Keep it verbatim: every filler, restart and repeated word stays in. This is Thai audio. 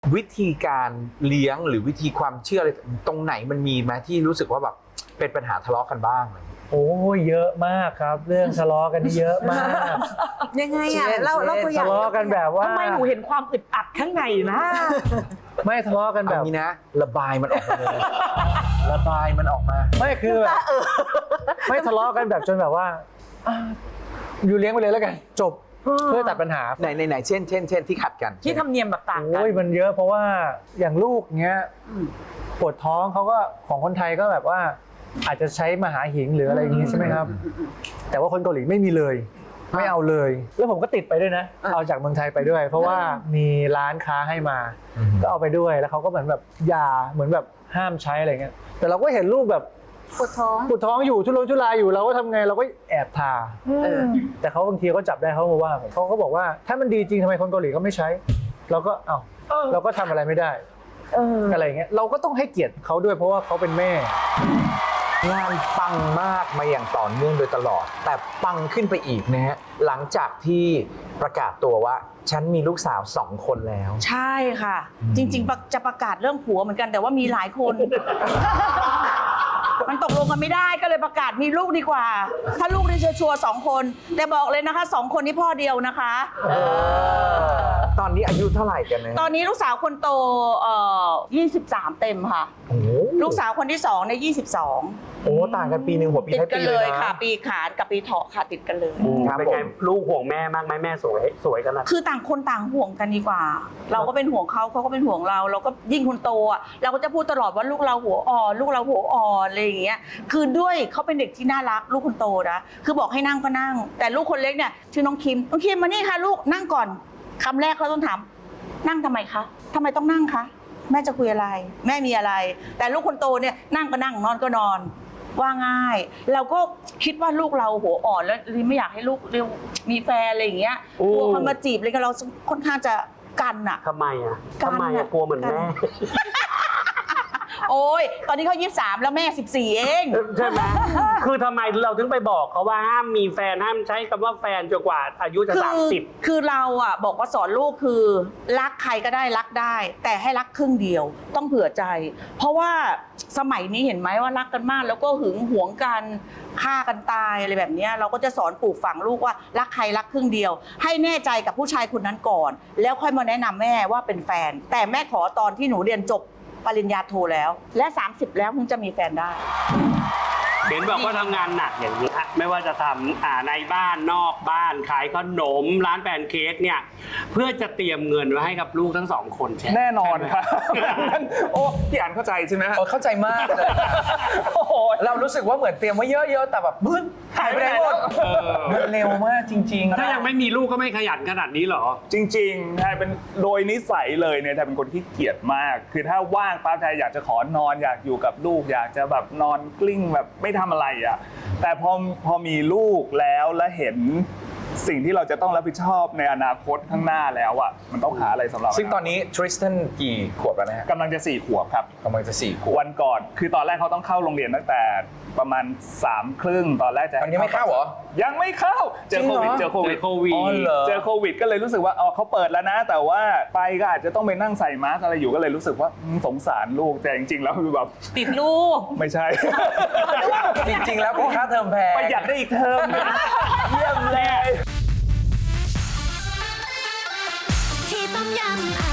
วิธีการเลี้ยงหรือวิธีความเชื่ออะไรตรงไหนมันมีไหมที่รู้สึกว่าแบบเป็นปัญหาทะเลาะกันบ้างโอ้ยเยอะมากครับ เรื่องทะเลาะกันนี่เยอะมากยังไงอ่ะเล่าเล่าตัวอย่างทะเลาะกันแบบว่าทำไมหนูเห็นความอึดอัดข้างในนะไม่ทะเลาะกันแบแบบ บนี้นะ ระบายมันออกมาเลยระบายมันออกมาไม่คือแบบไม่ทะเลาะกันแบบจนแบบว่าอ่ะอยู่เลี้ยงไปเลยแล้วกันจบเพื่อตัดปัญหาไหนไหนไหนเช่นเช่นเช่นที่ขัดกันที่ทำเนียมแบบต่างกันโอ้ยมันเยอะเพราะว่าอย่างลูกเงี้ยปวดท้องเขาก็ของคนไทยก็แบบว่าอาจจะใช้มหาหิงหรืออะไรอย่างงี้ใช่ไหมครับแต่ว่าคนเกาหลีไม่มีเลยไม่เอาเลยแล้วผมก็ติดไปด้วยนะเอาจากเมืองไทยไปด้วย เพราะว่ามีร้านค้าให้มาก็เอาไปด้วยแล้วเขาก็เหมือนแบบยาเหมือนแบบห้ามใช้อะไรเงี้ยแต่เราก็เห็นลูกแบบปวดท้องปวดท้องอยู่ทุรนทุรายอยู่เราก็ทำไงเราก็แอบทาเออแต่เขาบางทีเขาจับได้เขามาว่าผมเขาก็บอกว่าถ้ามันดีจริงทำไมคนเกาหลีเขาไม่ใช้เราก็เอ้าเราก็ทำอะไรไม่ได้เอออะไรอย่างเงี้ยเราก็ต้องให้เกียรติเขาด้วยเพราะว่าเขาเป็นแม่งานปังมากมาอย่างต่อเนื่องโดยตลอด แต่ปังขึ้นไปอีกนะฮะหลังจากที่ประกาศตัวว่าฉันมีลูกสาวสองคนแล้วใช่ค่ะ จริงๆ จะประกาศเรื่องผัวเหมือนกันแต่ว่ามีหลายคน มันตกลงกันไม่ได้ก็เลยประกาศมีลูกดีกว่า ถ้าลูกนี่ชัวร์ๆสองคนแต่บอกเลยนะคะสองคนนี้พ่อเดียวนะคะเออตอนนี้อายุเท่าไหร่กันนะตอนนี้ลูกสาวคนโตเอ่อยี่สิบสามเต็มค่ะโอ้โหลูกสาวคนที่สองในยี่สิบสองโอ้ต่างกันปีหนึ่งหัวปีติดท้ายกัปีนเลเลย ยนะค่ะ ปีขานกับปีเถาะค่ะติดกันเลยครับเป็นไงผมลูกห่วงแม่มากไหมแม่สวยสวยขนาดคือต่างคนต่างห่วงกันดีกว่า เราก็เป็นห่วงเขาเขาก็เป็นห่วงเรา เราก็ยิ่งคนโตอ่ะเราก็จะพูดตลอดว่าลูกเราหัวอ่อนลูกเราหัวอ่อนอะไรอย่างเงี้ยคือด้วยเขาเป็นเด็กที่น่ารักลูกคนโตนะคือบอกให้นั่งก็นั่ง แต่ลูกคนเล็กเนี่ยชื่อน้องคิมน้องคิมมานี่ค่ะลูกนั่งก่อนคำแรกเขาต้องถามนั่งทำไมคะทำไมต้องนั่งคะแม่จะคุยอะไร แม่มีอะไร แต่ลูกคนโตเนี่ยนั่งก็นั่งนอนก็นอนว่าง่ายเราก็คิดว่าลูกเราหัวอ่อนแล้วไม่อยากให้ลูกเร็วมีแฟนอะไรอย่างเงี้ยกลัวคนมาจีบอะไรกันเราค่อนข้างจะกันอะทำไมอ่ะกันทำไมอะอ่ะกลัวเหมือนกันแม่โอ้ยตอนนี้เขายี่สิบสามแล้วแม่สิบสี่เองใช่ไหม คือทำไมเราถึงไปบอกเขาว่าห้ามมีแฟนห้ามใช้คำว่าแฟนจนกว่าอายุจะคือสามสิบคือเราอ่ะบอกว่าสอนลูกคือรักใครก็ได้รักได้ แต่ให้รักครึ่งเดียวต้องเผื่อใจ เพราะว่าสมัยนี้เห็นไหมว่ารักกันมากแล้วก็หึงหวงกันฆ่ากันตายอะไรแบบเนี้ยเราก็จะสอนปลูกฝังลูกว่ารักใครรักครึ่งเดียว ให้แน่ใจกับผู้ชายคนนั้นก่อน แล้วค่อยมาแนะนำแม่ว่าเป็นแฟน แต่แม่ขอตอนที่หนูเรียนจบปริญญาโทแล้ว และสามสิบแล้วถึงจะมีแฟนได้เห็นบอกว่าทำงานหนักอย่างนี้ฮะไม่ว่าจะทำอ่าในบ้านนอกบ้านขายขนมร้านแพนเค้กเนี่ยเพื่อจะเตรียมเงินไว้ให้กับลูกทั้งสองคนใช่ไหมแน่นอนใช่ไหมครับ โอ้พี่อ่านเข้าใจใช่ไหมฮะเออเข้าใจมากเลยโอ้โหเรารู้สึกว่าเหมือนเตรียมไว้เยอะๆแต่แบบบึ้นหายไปไหนหมดเออมันเร็วมากจริงๆถ้ายังไม่มีลูกก็ไม่ขยันขนาดนี้เหรอจริงๆไทยเป็นโดยนิสัยเลยเนี่ยไทยเป็นคนที่เกียจมาก คือถ้าว่างปั๊บไทยอยากจะขอนอนอยากอยู่กับลูก อยากจะแบบนอนกลิ้งแบบไม่ทำอะไรอ่ะแต่พอพอมีลูกแล้วและเห็นสิ่งที่เราจะต้องรับผิดชอบในอนาคตข้างหน้าแล้วอ่ะมันต้องหาอะไรสำหรับซึ่งตอนนี้ทริสตันกี่ขวบแล้วนะฮะกำลังจะสี่ขวบครับกำลังจะสี่ขวบวันก่อนคือตอนแรกเขาต้องเข้าโรงเรียนตั้งแต่ประมาณสามครึ่งตอนแรกจะตอนนี้ไม่เข้าเหรอยังไม่เข้าเจอโควิดจริงเหรอเจอโควิดเจอโควิดอ๋อเหรอเจอโควิดก็เลยรู้สึกว่าอ๋อเขาเปิดแล้วนะ แต่ว่าไปก็อาจจะต้องไปนั่งใส่มาสก์อะไรอยู่ก็เลยรู้สึกว่าอืมสงสารลูกแต่จริงๆแล้วคือแบบติดลูกไม่ใช่จริงๆแล้วเป็นค่าเทอมแพงประหยัดได้อีกเทอมหนึ่งเยี่ยมเลยที่ต้มยำอ